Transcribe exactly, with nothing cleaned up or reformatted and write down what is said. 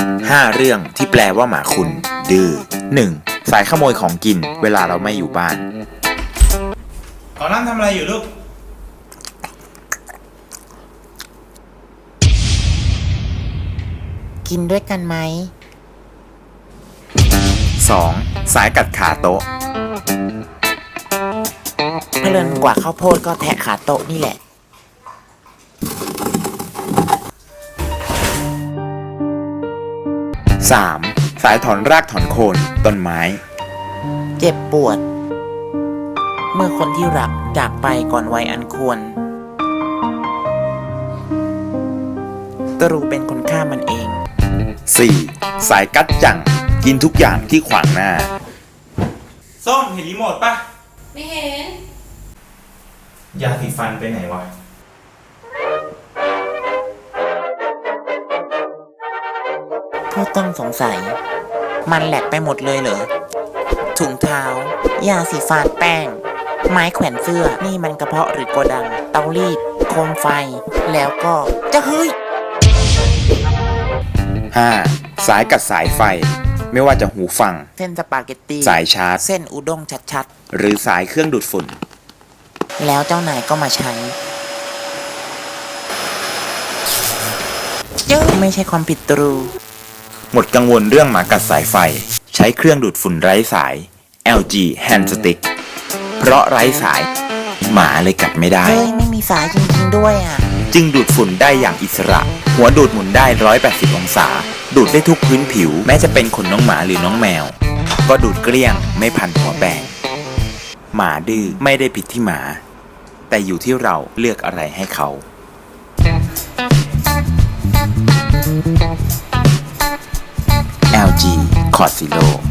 ห้าเรื่องที่แปลว่าหมาคุณดื้อ หนึ่ง. สายขโมยของกินเวลาเราไม่อยู่บ้านขอน้ำทำอะไรอยู่ลูกกินด้วยกันไหมสอง. สายกัดขาโต๊ะเพลินกว่าข้าวโพดก็แทะขาโต๊ะนี่แหละสาม. สายถอนรากถอนโคนต้นไม้เจ็บปวด เมื่อคนที่รักจากไปก่อนวัยอันควรตรูเป็นคนฆ่ามันเองสี่. สายกัดจังกินทุกอย่างที่ขวางหน้าส้มเห็นรีโมทปะไม่เห็นยาสีฟันไปไหนวะผู้ต้องสงสัยมันแหลกไปหมดเลยเหรอถุงเท้ายาสีฟันแป้งไม้แขวนเสื้อนี่มันกระเพาะหรือโกดังเตารีดโคมไฟแล้วก็จะเฮ้ยห้า. สายกัดสายไฟไม่ว่าจะหูฟังเส้นสปาเกตตี้สายชาร์จเส้นอุด้งชัดๆหรือสายเครื่องดูดฝุ่นแล้วเจ้านายก็มาใช้เยอะไม่ใช่ความผิดตรูหมดกังวลเรื่องหมากัดสายไฟใช้เครื่องดูดฝุ่นไร้สาย แอล จี Hand Stick เพราะไร้สายหมาเลยกัดไม่ได้เฮ้ยไม่มีสายจริงๆด้วยอ่ะจึงดูดฝุ่นได้อย่างอิสระหัวดูดหมุนได้หนึ่งร้อยแปดสิบองศาดูดได้ทุกพื้นผิวแม้จะเป็นขนน้องหมาหรือน้องแมวก็ดูดเกลี้ยงไม่พันหัวแปรงหมาดื้อไม่ได้ผิดที่หมาแต่อยู่ที่เราเลือกอะไรให้เขา แอล จี Cort Zero